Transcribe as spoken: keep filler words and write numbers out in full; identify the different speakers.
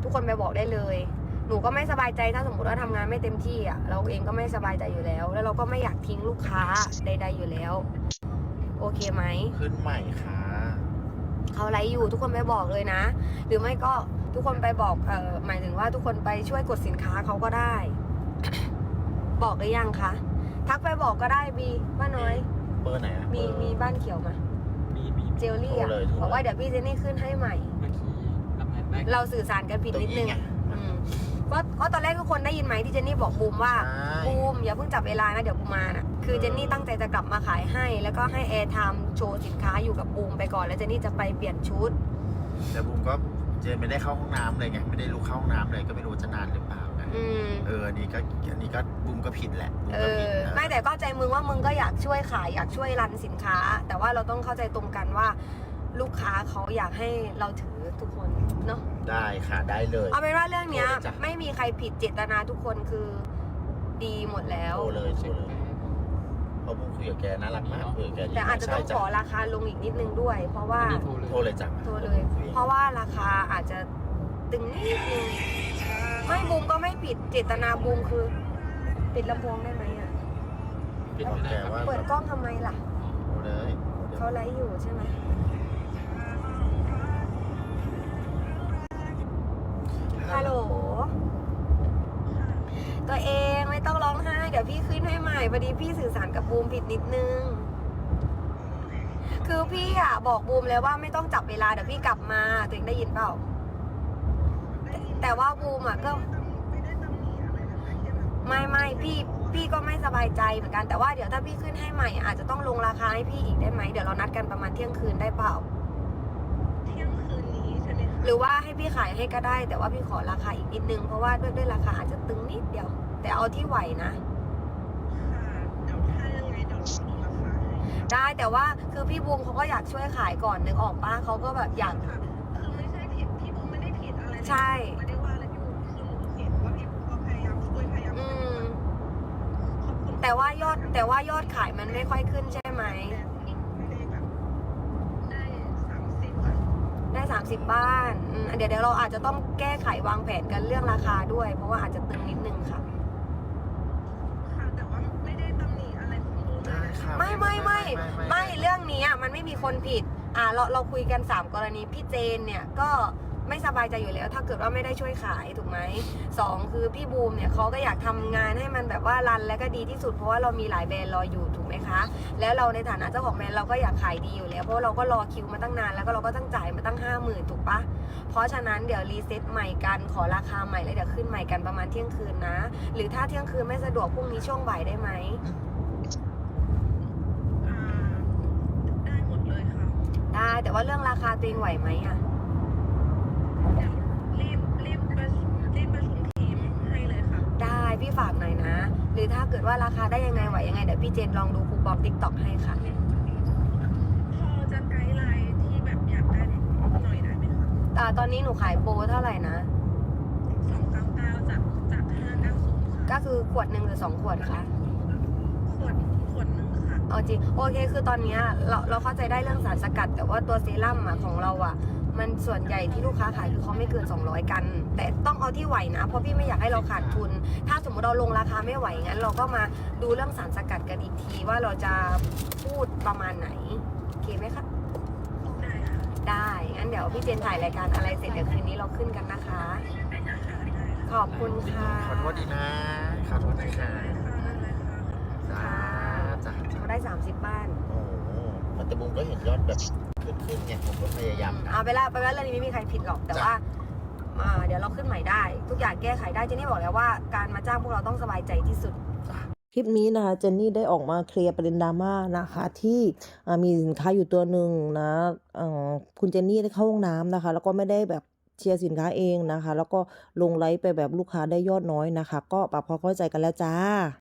Speaker 1: ทุกคนไปบอกได้เลยหนูก็ไม่สบายใจถ้าสมมติว่าทำงานไม่เต็มที่อ่ะเราเองก็ไม่สบายใจอยู่แล้วแล้วเราก็ไม่อยากทิ้งลูกค้าใดๆอยู่แล้วโอเคไหม
Speaker 2: ขึ้นใหม่ค่ะ
Speaker 1: เขาไลฟ์อยู่ทุกคนไปบอกเลยนะหรือไม่ก็ทุกคนไปบอกเอ่อหมายถึงว่าทุกคนไปช่วยกดสินค้าเขาก็ได้ บอกหรือยังคะทักไปบอกก็ได้บีบ้านน้อย
Speaker 2: เบอร์ไหนอะ
Speaker 1: มีมีบ้านเขียวมา
Speaker 3: มีมี
Speaker 1: เจลลี่อ่ะบอกว่าเดี๋ยวพี่เจนนี่ขึ้นให้ใหม่
Speaker 3: เมื่อกี้รับงานได้
Speaker 1: เราสื่อสารกันผิดนิดนึงอืมเพราะเพราะตอนแรกทุกคนได้ยินไหมที่เจนนี่บอกบูมว่าบูมอย่าเพิ่งจับเวลานะเดี๋ยวบูมมาน่ะคือเจนนี่ตั้งใจจะกลับมาขายให้ แล้วก็ให้แอร์ไทม์โชว์สินค้าอยู่กับบูมไปก่อนแล้วเจนนี่จะไปเปลี่ยนชุด
Speaker 2: แต่บูมก็เจนไม่ได้เข้าห้องน้ำเลยไงไม่ได้ลุกเข้าห้องน้ำเลยก็ไม่รู้จะนานหรือเปล่าไงเอออันนี้ก็อันนี้ก็บูมก็ผิดแหละ
Speaker 1: เออไม่แต่ก็ใจมึงว่ามึงก็อยากช่วยขายอยากช่วยรันสินค้า แต่ว่าเราต้องเข้าใจตรงกันว่าลูกค้าเขาอยากให้เราถือทุกคนเนาะ
Speaker 2: ได้ค่ะได้เลย
Speaker 1: เอาเป็นว่าเรื่องเนี้ยไม่มีใครผิดเจตนาทุกคนคือดีหมดแล้ว
Speaker 2: โทรเลยโทรเลยเพราะบูมคุยกับแกน่ารักมากคุยกับแก
Speaker 1: แต่อาจจะต้องขอราคาลงอีกนิดนึงด้วย เพราะว่า
Speaker 2: โทรเลยจ้ะ
Speaker 1: โทรเลย เพราะว่าราคาอาจจะตึงนิดนึงไม่บูมก็ไม่ผิดเจตนาบูมคือปิดลำโพงได้ไหมอ่ะเปิดกล้องทำไมล่ะ
Speaker 2: โทรเลย
Speaker 1: เขาไลฟ์อยู่ใช่ไหมฮัลโหลตัวเองไม่ต้องร้องไห้เดี๋ยวพี่ขึ้นให้ใหม่พอดีพี่สื่อสารกับบูมผิดนิดนึงคือพี่อ่ะบอกบูมแล้วว่าไม่ต้องจับเวลาเดี๋ยวพี่กลับมาตัวเองได้ยินเปล่าแต่ว่าบูมอ่ะก็ไม่ไม่พี่พี่ก็ไม่สบายใจเหมือนกันแต่ว่าเดี๋ยวถ้าพี่ขึ้นให้ใหม่อาจจะต้องลงราคาให้พี่อีกได้ไหมเดี๋ยวเรานัดกันประมาณเที่ยงคืนได้เปล่า
Speaker 4: เที่ยงคืนนี้ใช่ไหมคะ
Speaker 1: หรือว่าให้พี่ขายให้ก็ได้แต่ว่าพี่ขอราคาอีกนิดนึงเพราะว่าด้วยด้วยราคาอาจจะตึงนิดเดียวแต่เอาที่ไหวนะ
Speaker 4: ค่ะเดี๋ยวถ้ายังไงเดี๋ยวเราดูราคาให้
Speaker 1: ได้แต่ว่าคือพี่บูมเขาก็อยากช่วยขายก่อนนึกออกป้าเขาก็แบบอยาก
Speaker 4: คือไม่ใช่ผิดพี่บูมไม่ได้ผิดอะไร
Speaker 1: ใช่
Speaker 4: ไม่ได้ว่าอะไรพี่บูมคือหนูเห็นว่าพี่บูมก็พยายามช่วยพยายาม
Speaker 1: อืมแต่ว่ายอดแต่ว่ายอดขายมันไม่ค่อยขึ้นใช่ไหม
Speaker 4: ไม่ได้แบบได้สามสิบ
Speaker 1: ได้สามสิบบ้านเดี๋ยวเดี๋ยวเราอาจจะต้องแก้ไขวางแผนกันเรื่องราคาด้วยเพราะว่าอาจจะตึงนิดนึงค่ะ
Speaker 4: ค่ะแต่ว่าไม่ได้ตำหนิอะไรของบูมเลยนะคะ
Speaker 1: ไม่ไม่ไม่ไม่เรื่องนี้มันไม่มีคนผิดอ่าเราเราคุยกันสามกรณีพี่เจนเนี่ยก็ไม่สบายใจอยู่แล้วถ้าเกิดว่าไม่ได้ช่วยขายถูกไหมสองคือพี่บูมเนี่ยเขาก็อยากทำงานให้มันแบบว่ารันและก็ดีที่สุดเพราะว่าเรามีหลายแบรนด์รออยู่ถูกไหมคะแล้วเราในฐานะเจ้าของแบรนด์เราก็อยากขายดีอยู่แล้วเพราะเราก็รอคิวมาตั้งนานแล้วก็เราก็ตั้งจ่ายมาตั้งห้าหมื่นถูกปะเพราะฉะนั้นเดี๋ยวรีเซ็ตใหม่กันขอราคาใหม่แล้วเดี๋ยวขึ้นใหม่กันประมาณเที่ยงคืนนะหรือถ้าเที่ยงคืนไม่สะดวกพรุ่งนี้ช่วงบ่ายได้ไหม
Speaker 4: ได้หมดเลยค่ะ
Speaker 1: ได้แต่ว่าเรื่องราคาตัวเองไหวไหมอ่ะ
Speaker 4: รีบรีบประชุมรีบประชุมทีมให้เลยค่ะ
Speaker 1: ได้พี่ฝากหน่อยนะหรือถ้าเกิดว่าราคาได้ยังไงไหวยังไงเดี๋ยวพี่เจนลองดูคูปองติ๊กต็อกให้ค่ะ
Speaker 4: พอจะไกด์ไลน์ที่แบบอยากได้หน่อยได้ไหมคะ
Speaker 1: อ่าตอนนี้หนูขายโปรเท่าไหร่นะ
Speaker 4: สองเก้าเก้าจากจากห้าเก้าศูนย์ค่ะ
Speaker 1: ก็คือขวดหนึ่งหรือสองขวดคะ
Speaker 4: ขวดขวดหนึ่งค่ะ
Speaker 1: เอาจริงโอเคคือตอนนี้เราเราเข้าใจได้เรื่องสารสกัดแต่ว่าตัวเซรั่มอ่ะของเราอ่ะมันส่วนใหญ่ที่ลูกค้าขายคือเขาไม่เกินสองร้อยกันแต่ต้องเอาที่ไหวนะเพราะพี่ไม่อยากให้เราขาดทุนถ้าสมมติเราลงราคาไม่ไหวงั้นเราก็มาดูเรื่องสารสกัดกันอีกทีว่าเราจะพูดประมาณไหนโอเคไหมคะ
Speaker 4: ได้ค่ะ
Speaker 1: ได้งั้นเดี๋ยวพี่เจนถ่ายรายการอะไรเสร็จเดี๋ยวคืนนี้เราขึ้นกันนะคะขอบคุณค่ะ
Speaker 2: ขอโทษดีนะขอโทษนะคะจ้าจ้า
Speaker 1: เขาได้สามสิบบ้าน
Speaker 2: โอ้มันแต่บุ้มก็เห็นยอดแบบขึ้นขึ้นไงผมก็พยายาม
Speaker 1: เอาไปละไปละเรื่องนี้ไม่มีใครผิดหรอกแต่ว่าเดี๋ยวเราขึ้นใหม่ได้ทุกอย่างแก้ไขได้เจนนี่บอกแล้วว่าการมาจ้างพวกเราต้องสบายใจที่สุด
Speaker 5: คลิปนี้นะคะเจนนี่ได้ออกมาเคลียร์ประเด็นดราม่านะคะที่มีสินค้าอยู่ตัวหนึ่งนะคุณเจนนี่ได้เข้าห้องน้ำนะคะแล้วก็ไม่ได้แบบเชียร์สินค้าเองนะคะแล้วก็ลงไลฟ์ไปแบบลูกค้าได้ยอดน้อยนะคะก็ปรับความเข้าใจกันแล้วจ้า